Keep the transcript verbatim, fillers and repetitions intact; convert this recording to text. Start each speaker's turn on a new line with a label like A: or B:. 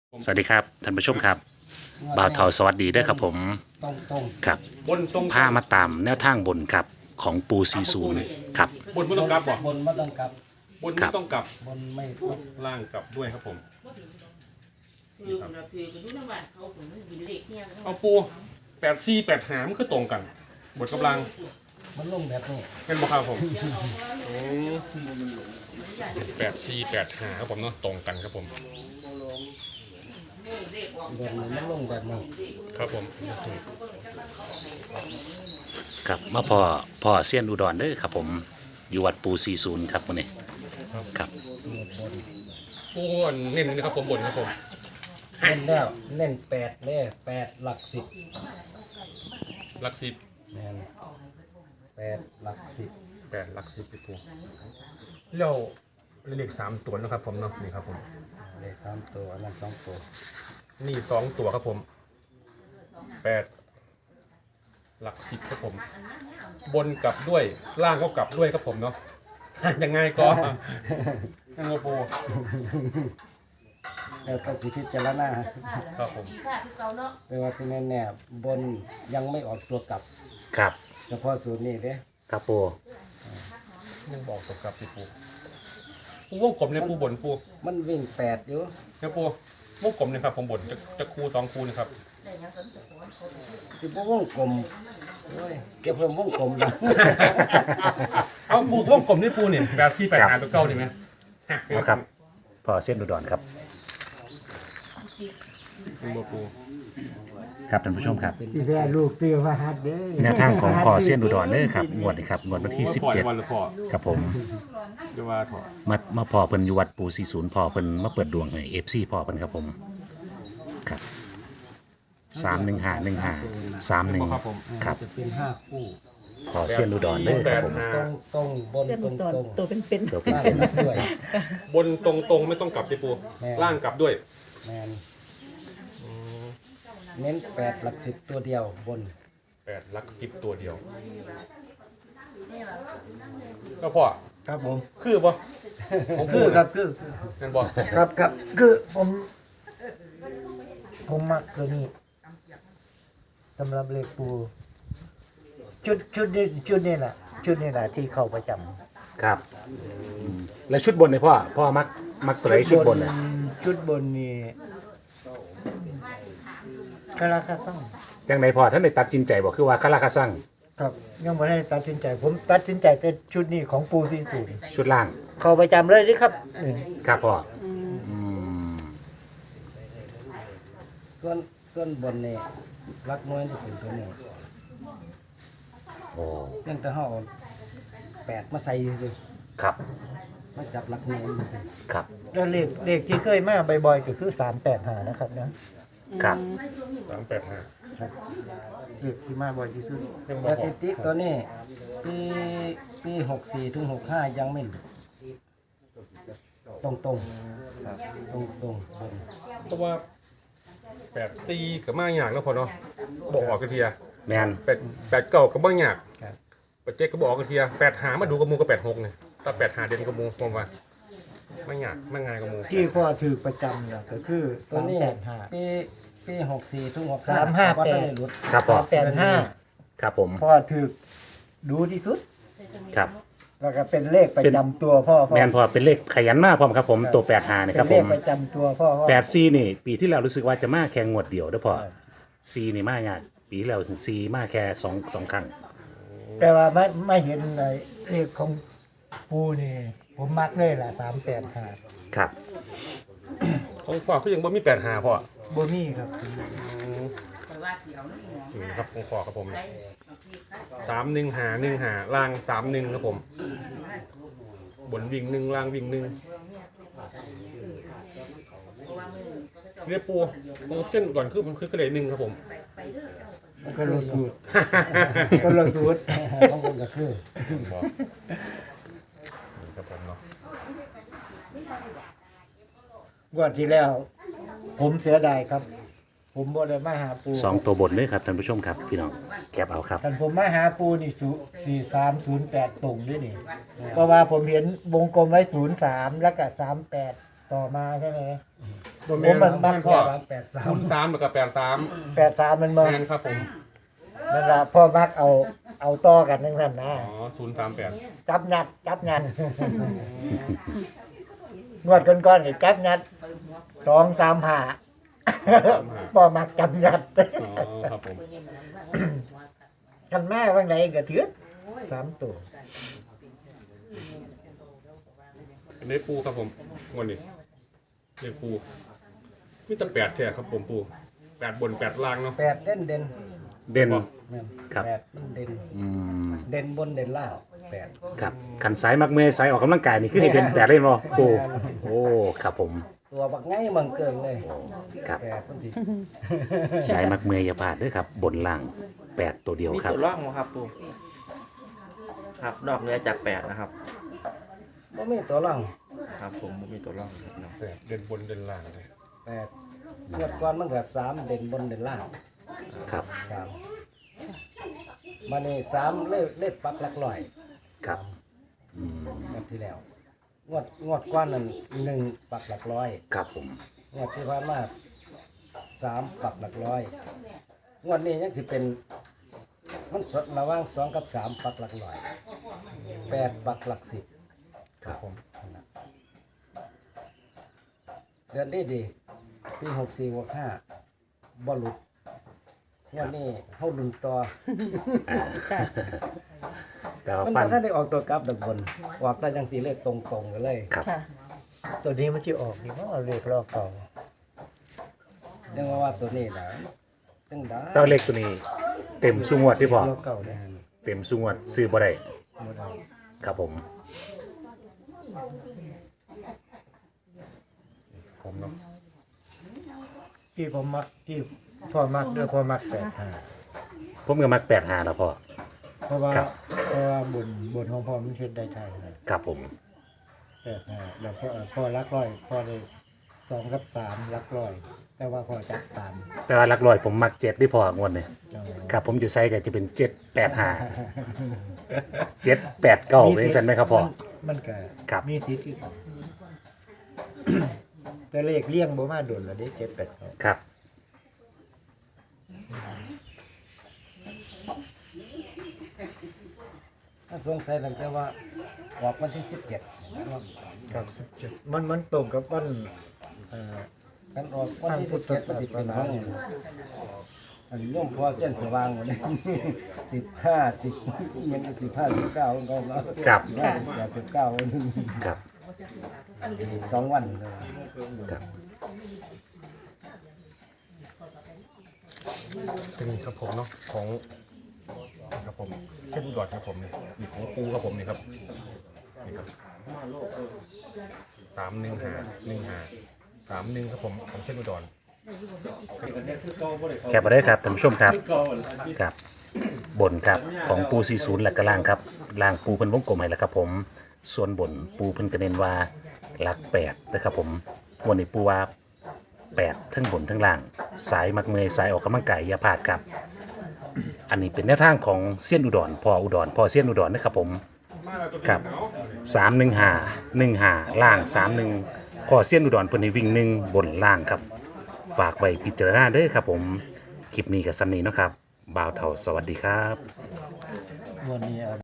A: สวัสดีครับท่านผู้ชมครับบ่าวเถาสวัสดีด้วยครับผม
B: ต้องต้อง
A: ครับ
C: บนตรง
A: ผ้ามาตามแนวทางบนครับของปูซีซูนครับ
C: บนไม่ต้องกลับบ่
B: บนไม่ต้องกลับบ
C: นไม่ต้องกลับบ
B: นไม่ต้อง
C: ล่างกลับด้วยครับผม
D: คือเราคือกันทุกจังหวัดเขาผมมันบินเล็กเนี่ย
C: เอาปูแปดสี่แปดหามันคือตรงกัน บทกำลัง
B: มันลงแบบนี้
C: เป็นบ่ครับผมแปดสี่แปดหาครับผมเนาะตรงกันครับผม
B: บนมันลงแบบนี้
C: ครับผม
A: ครับมาพอพอเซียนอุดรเด้อครับผมอยู่วัดปูซีซูนครับวันนี้ครับ
C: ปูอันเน้นนะครับผมบนครับผม
B: เล่นแล้วเล่นแปดเนี่ยแปดหลักสิบ
C: หลักสิบ
B: แมนแปดหลักสิบ
C: แปดหลักสิบพี่ปูแล้วเลขสามตัวนะครับผมเนาะนี่ครับผม
B: เลขสามตัวอันนั้นสองตัว
C: นี่สองตัวครับผมแปดหลักสิบครับผม บนกลับด้วยล่างก็กลับด้วยครับผมเนาะ ยังไงก็ยังไงปู
B: แล้วก็สิพิจารณา
C: ครับผม
D: ที่ค่ะที่เขาเนาะ
B: แต่ว่าที่แน่ๆบนยังไม่ออกตัวกลับ
A: ครับ
B: เฉพาะสูตรนี้เด้
A: ครับปู
C: ยังบอกตกกลับพี่ปูปูวงกลมเนี่ยปูบนปู
B: มันวิ่งแปดอยู่
C: เนี่ยปูวงกลมเนี่ยครับผมบนจะจะคูสองคูนะครับ
D: แต่ยังสนใจว่าเขา
B: สิบวงกลมโอ้ยเก็บเพิ่มวงกลมนะ
C: เอาปูวงกลมนี่ปูเนี่ยแบบที่แปดหาตัวเก้าดีไหม
A: เอาครับพอเซียนอุดรครับ
C: ปูปู
A: ครับท่านผู้ชมครับ
E: ที่แรกลูกเตี้ยว่าฮัดเด้อ
A: แนวทางของพอเซียนอุดรเด้อครับงวดนี้ครับงวดวันที่สิบเจ็ด
C: วันละพอ
A: ครับผม
C: เดี๋ยวว่าถอด
A: มามาพอเพิ่นอยู่วัดปูซีซูนพอเพิ่นมาเปิดดวงให้เอฟซีพอเพิ่นครับผมครับสามหนึ่งห้าหนึ่งห้าสามหนึ่งครับ
B: จะเป็นห้าคู่
A: พอเซียนอุดรเด้อครับผม
B: ตรงตรงบนตรงตรง
E: ตัวเป็นเป็น
A: ตัวเป็น
B: ล่าง
A: เป็น
B: กลับด้วย
C: บนตรงตรงๆไม่ต้องกลับพี่ปูล่างกลับด้วย
B: แมนเน้นแปดหลักสิบตัวเดียวบน
C: แปดหลักสิบตัวเดียวแล้วพอ
B: ครับผม
C: คือปะของ
B: คื
C: ปู
B: อครับคือ
C: นั่นบอก
E: ครับครับคือผมผมมักตัวนี้สำหรับเลขปูชุดชุดนี้ชุดนี้แหละชุดนี้แหละที่เข้าประจำ
A: ครับอืมแล้วชุดบนเนี่ยพ่อพ่อมักมักตัวไหนชุดบนเนี่ย
E: ชุดบนนี่คาราคาซัง
A: จังไหนพ่อท่านได้ตัดสินใจบอกคือว่าคาราคาซัง
E: ครับยังไม่ได้ตัดสินใจ ผมตัดสินใจเป็นชุดนี้ของปูซีสูน
A: ชุดล่าง
E: เข้าประจำเลยนี่ครับนี่
A: ครับพ่ออืม
B: ส่วนส่วนบนนี่รักน้อยที่เป็นตัวนี้
A: โอ้
B: ยังแต่ห่อาแปดมาใส่สิ
A: ครับ
B: มาจับรักน้อยมาสิ
A: ครับ
E: แล้วเลขเลขที่เคยมาบ่อยๆก็คือสามแปดหานะครับนะครับ
C: สามแปดห้า
E: เลขที่มาบ่อยที่สุด
C: ยังบ
B: ส
C: อก
B: ถิติตัวนี้ปีปีหกสี่ถึงหกห้ายังไม่หลุดตรงตรงตรงตรงๆบน
C: เพราะว่าแปดสี่กับมากอยากแล้วพอเนาะบอกออกกระเทีย
A: แมน
C: แปดแปดเก้ากับบ้างอยากแปดเจ็ดก็บอกกระเทียแปดหามาดูกับมูกับแปดหกเนี่ยถ้าแปดหาเด่นกับมูผมว่าไม่อยากไม่ง่ายกับมู
E: ที่พ่อถือประจำเนี่ยก็คือ
B: ตัว
E: สาม
B: นี้
E: แปดห้า
B: ปีปีหกสี่ถึงหก
E: สามห้า
B: ก็
E: แปด
B: ได้หลุด
A: ครับพ่อ
E: สามแปดห้า
A: ครับผม
E: พ่อถือดูที่สุด
A: ครับ
E: แล้วก็เป็นเลขประจำตัวพ่อพ่อ
A: แมนพ่อเป็นเลขขยันมากพ่อมครับผมตัวแปดหานะค
E: เป็
A: รับ
E: น
A: ผ
E: เลข
A: ม
E: ประจำตัวพ่อพ่อ
A: แปดซีนี่ ปีที่แล้วรู้สึกว่าจะมาแค่งวดเดียวเด้อพ่อซีนี่มายากปีที่แล้วซีมาแค่สองสองครั้ง
E: แต่ว่าไม่ไม่เห็นในเลขของปูนี่ ผมมักเลยล่ะสามแปดห้า
A: ครับ
C: ของพ่อคือยังบ่มีแปดหาพ่อ
E: โบมี่ครับ
D: คอยว่าเดี๋ยวนี่นะ
C: นี่นะครับของพ่อครับผม
D: ได้เอาที่ค่ะ
C: สามหนึ่งหาหนึ่งหาล่างสามหนึ่งครับผม บนวิ่งหนึ่งล่างวิ่งหนึ่ง
D: เพราะว่ามือเขาจะจบ
C: เรียกปูปูเส้นก่อนคือมันคือกระเดยหนึ่งครับผม
E: ก็ละสูตรก็ละสูตร
B: ต้องบนก็คือ
C: บอกนี่ครับผมเนาะ
E: งวันที่แล้ว ผมเสียดายครับ ผมบ่ได้มาหาปู
A: สองตัวบนเลยครับท่านผู้ชมครับพี่น้องแคปเอาครับ
E: ท่านผมมาหาปูนี่สี่สามศูนย์แปดตรงด้วยนี่ เพราะว่าผมเห็นวงกลมไว้ศูนย์สามแล้วก็สามแปดต่อมาใช่ไหม
C: ตัวแม
E: ผม
C: น
E: มันมัก
C: พ่อ
B: สามแปดสาม
C: ศูนย์สามแล้วก็แปดสาม
E: แปดสามมันมา
C: แมนครับผม
E: นั่นล่ะพ่อมักเอาเอาต่อกันจังซั่นนะ
C: อ๋อศูนย์สามแปด
E: จับยัดจับยันงวดก่อนๆนี่จับยัดสองสามห้าพ่อมักจับยัด
C: อ๋อครับผม
E: กันแม่ว่าไงก็ถือสามตัว
C: อันนี้ปูครับผมงวดนี้เรียกปูมีแต่แปดแท้ครับผมปูแปดบนแปดล่างเนาะ
B: แปดเด่นเด่น
A: เด่น
B: แม่น
A: ครับ
B: แปดมันเด่น
A: อืม
B: เด่นบนเด่นล่างแปด
A: ครับขันสายมักเมย์สายออกกำลังกายนี่คือให้เด่นแปดเล่นบ่ปูโอ้ครับผม
B: ตัวบักไงมังเกิงเลย
A: ครับ
B: แปดมันสิ
A: สายมักเมย์อย่าพลาดเด้วยครับ บนล่างแปดตัวเดียว
F: มี
A: ครับ
F: ตัวร่องไหมครับปูครับนอกเหนือจากแปดนะครับ
B: บ่มีตัวล่าง
F: ครับผมบ่มีตัวร่องครับเนาะ
C: แปดเด่นบนเด่นล่างเลย
B: แปดงวดก่อนมันก็สามเด่นบนเด่นล่าง
A: ครับ
B: สามมานี่สามเล่เล่ปักหลักร้อย
A: ครับ
B: งวดที่แล้วงวดงวดก้อนนั้นหนึ่งปักหลักร้อย
A: ครับผม
B: งวดที่ผ่านมาสามปักหลักร้อยงวดนี้ยังสิเป็นมันสดระหว่างสองกับสามปักหลักร้อยแปดปักหลักสิบ
A: ครับผม
B: เดือนดีดีปีหกสี่หกห้าบอลลุดงวดนี้เฮาลุนต่อ
A: แต่ว่า
B: มัน
A: ฟั
B: บ่
A: น
B: ทันได้ออกตัวกลับดับบนออกได้จังสีเลขตรงๆกันเลย
A: ครับ
E: ตัวนี้มันจะออกนี่ว่าเอาเลขลอกเก่า
B: ยังว่าว่าตัวนี้นะตึงได้
A: เต้าเล็กตัวนี้ เต็มสุงวดที่พอ
E: ลอกเก่าเนี่ย
A: เต็มสุงวดซื้อบ่ได้
B: บ่ได้
A: ครับผม
C: ผมเนาะ
E: ที่ผมมักที่พ่อมักด้วยพ่อมักแปดห้า
A: ผมก็มักแปดหาแล้วพอ
E: เพราะว่า
A: ครับ
E: เพราะว่าบนบนของพ่อมันเฮ็ดได้ไทยนะครับ
A: ผม
E: แปดห้าแล้วพ่อพ่อรักร้อยพ่อได้สองกับสามรักร้อย แต่ว่าพ่อจับสาม
A: แต่ว่าหลักร้อยผมมักเจ็ดที่พองวดเนี่ยครับผมอยู่ไซก็จะเป็นเจ็ดแปดห้าเจ็ดแปดเก้าเป็นสันไหมครับพ่อ
E: มันก็
A: ครับ
E: มีสิทธิ์คือกัน แต่เลขเลี่ยงบ่มาโดนแล้วเด้เจ็ดแปดเก้า
A: ครับ
B: ถ้าสงสัยตั้งแต่ว่าออกวันที่สิบเจ็ด
E: ครับมันมันตรงกับวันเอ่อ
B: กันออกวันที่สิบเจ็ดมันสิเป็นห้องอันนี้ย่อมพอเส้นสว่างหมดเลย สิบห้าสิบมันสิบห้าสิบเก้าของเขาเนาะ
A: ครับ
B: สิบห้าสิบแปดสิบเก้า
A: ครับ
B: สองวันเลย
A: ครับ
C: เป็นครับผมเนาะของครับผมเช่นอุดรครับผมนี่นี่ของปูครับผมนี่ครับนี่ครับสามหนึ่งหาหนึ่งหาสามหนึ่งครับผมของเช่นอุดร
A: แคปมาได้ครับท่านผู้ชมครับครับบนครับของปูสี่ศูนย์หลักกระล่างครับล่างปูเพิ่นวงกลมให้แล้วครับผมส่วนบนปูเพิ่นกระเน้นว่าหลักแปดนะครับผมวันนี้ปูว่าแปดทั้งบนทั้งล่าง สายมักเมยสายออกกำลังกายอย่าพลาดครับ อันนี้เป็นแนวทางของเซียนอุดรพออุดรพอเซียนอุดรนะครับผมครับสามหนึ่งหาหนึ่งหาล่างสามหนึ่งพอเซียนอุดรเพิ่นให้วิ่งหนึ่งบนล่างครับ ฝากไว้พิจารณาเด้อครับผม คลิปนี้กับซันนี่เนาะครับบ่าวเท่าสวัสดีครับ
E: วันนี้